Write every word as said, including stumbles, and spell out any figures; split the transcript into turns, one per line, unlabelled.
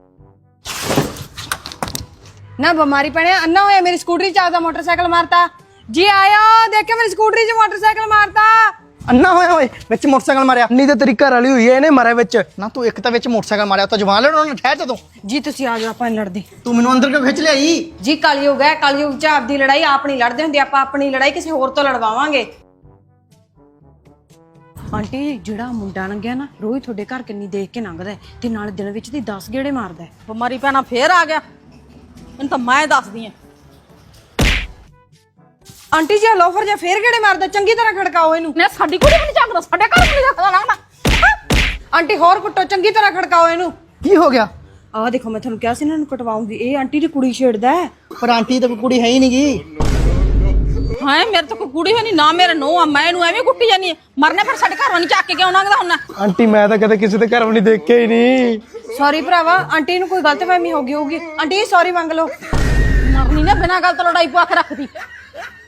ना बिमारी पड़े अन्ना होया मेरी स्कूटरी च आपदा मोटरसाइकिल मारता जी आया देखे मेरी स्कूटरी च मोटरसाइकिल मारता
अन्ना होया ओए विच मोटरसाइकिल मारिया नहीं ते तेरी घर वाली हुई है इहने मारे विच ना तू एक तां विच मोटरसाइकिल मारिया तो जवान लड़ो ना ठहर जा तू
जी तुसी आ जाओ अपन लड़दे
तू मैनू अंदर क्यों खिच लियाई
जी कलयुग है कलयुग च आपदी लड़ाई आप नहीं लड़दे हुंदे आपां अपनी लड़ाई किसी होर तो लड़वावांगे आंटी ਜਿਹੜਾ ਮੁੰਡਾ ਲੰਘਿਆ ਨਾ ਰੋਜ਼ ਤੁਹਾਡੇ ਘਰ ਕਿੰਨੀ ਦੇਖ ਕੇ ਲੰਘਦਾ ਤੇ ਨਾਲ ਦਿਨ ਵਿੱਚ ਦੀ ਦਸ ਗੇੜੇ ਮਾਰਦਾ
ਬਿਮਾਰੀ ਪੈਣਾ ਫੇਰ ਆ ਗਿਆ ਇਹਨੂੰ ਤਾਂ ਮੈਂ ਦੱਸਦੀ ਆ
ਆਂਟੀ ਜੀ ਲੋਫਰ ਜਾਂ ਫੇਰ ਗੇੜੇ ਮਾਰਦਾ ਚੰਗੀ ਤਰ੍ਹਾਂ ਖੜਕਾਓ ਇਹਨੂੰ
ਨੇ ਸਾਡੀ ਕੁੜੀ ਵੀ ਨਹੀਂ ਚੱਕਦਾ ਸਾਡੇ ਘਰ ਵੀ ਨਹੀਂ ਚੱਕਦਾ ਲੱਗਦਾ
ਆਂਟੀ ਹੋਰ ਕੁੱਟੋ ਚੰਗੀ ਤਰ੍ਹਾਂ ਖੜਕਾਓ ਇਹਨੂੰ
ਕੀ ਹੋ ਗਿਆ
ਆਹ ਦੇਖੋ ਮੈਂ ਤੁਹਾਨੂੰ ਕਿਹਾ ਸੀ ਇਹਨਾਂ ਨੂੰ ਕਟਵਾਉਂਗੀ ਇਹ ਆਂਟੀ ਦੀ ਕੁੜੀ ਛੇੜਦਾ
ਪਰ ਆਂਟੀ ਤਾਂ ਕੋਈ ਕੁੜੀ ਹੈ ਹੀ ਨਹੀਂਗੀ
ਹਾਂ ਮੇਰੇ ਤਾਂ ਕੋਈ ਕੁੜੀ ਹੈ ਨਹੀਂ ਨਾ ਮੇਰੇ ਨੋ ਆ ਮੈਂ ਇਹਨੂੰ ਐਵੇਂ ਕੁੱਟੀ ਜਾਨੀ ਮਰਨੇ ਫਿਰ ਸਾਡੇ ਘਰੋਂ ਨਹੀਂ ਚੱਕ ਕੇ ਕਿਉਂ ਲੰਘਦਾ ਹੁੰਦਾ
ਆਂਟੀ ਮੈਂ ਤਾਂ ਕਦੇ ਕਿਸੇ ਦੇ ਘਰ ਵੀ ਨਹੀਂ ਦੇਖਿਆ ਹੀ ਨਹੀਂ
ਸੌਰੀ ਭਰਾਵਾ ਆਂਟੀ ਨੂੰ ਕੋਈ ਗਲਤਫਹਿਮੀ ਹੋ ਗਈ ਹੋਊਗੀ ਆਂਟੀ ਸੌਰੀ ਮੰਗ ਲਓ
ਮਰਨੀ ਨੇ ਬਿਨਾਂ ਗੱਲ ਤੋਂ ਲੜਾਈ ਪਵਾ ਕੇ ਰੱਖਦੀ